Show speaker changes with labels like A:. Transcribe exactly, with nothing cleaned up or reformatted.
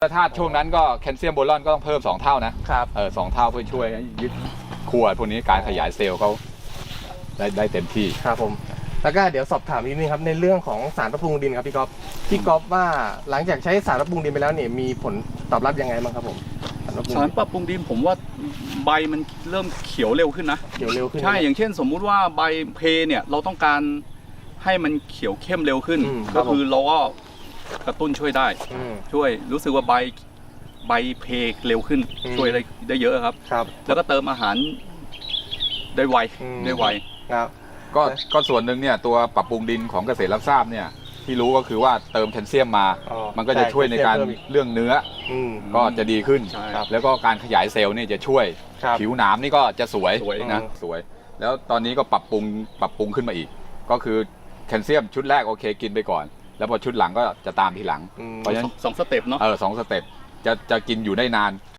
A: ถ้าช่วงนั้นก็แคลเซียมโบรอนก็ต้องเพิ่มสองเท่านะครับเออสองเท่าเพื่อช่วยยึดขั้วพวกนี้การขยายเซลล์เขาได้ได้เต็มที่
B: ครับผมแล้วก็เดี๋ยวสอบถามนิดนึงครับในเรื่องของสารปรับปรุงดินครับพี่ก๊อฟพี่ก๊อฟว่าหลังจากใช้สารปรับปรุงดินไปแล้วเนี่ยมีผลตอบรับยังไงบ้างครับผม
C: สารปรับปรุงดินผมว่าใบมันเริ่มเขียวเร็วขึ้นนะ
B: เขียวเร็วขึ้น
C: ใช่อย่างเช่นสมมุติว่าใบเพเนี่ยเราต้องการให้มันเขียวเข้มเร็วขึ้นก็คือเราก็กระตุ้นช่วยได้ช่วยรู้สึกว่าใบใบเพเร็วขึ้นช่วยได้ได้เยอะครับ
B: ครับ
C: แล้วก็เติมอาหารได้ไวได้ไว
B: ครับ
A: ก็ก็ส่วนหนึ่งเนี่ยตัวปรับปรุงดินของเกษตรรับทราบเนี่ยที่รู้ก็คือว่าเติมแคลเซียมมามันก็จะช่วยในการเรื่องเนื้อก็จะดีขึ้นแล้วก็การขยายเซลล์นี่จะช่วยผิวหนามนี่ก็จะสวยนะสวยแล้วตอนนี้ก็ปรับปรุงปรับปรุงขึ้นมาอีกก็คือแคลเซียมชุดแรกโอเคกินไปก่อนแล้วพอชุดหลังก็จะตามทีหลัง
C: เพราะฉะนั้นสองสเต็ปเนาะ
A: เออสองสเต็ปจะจะกินอยู่ได้นาน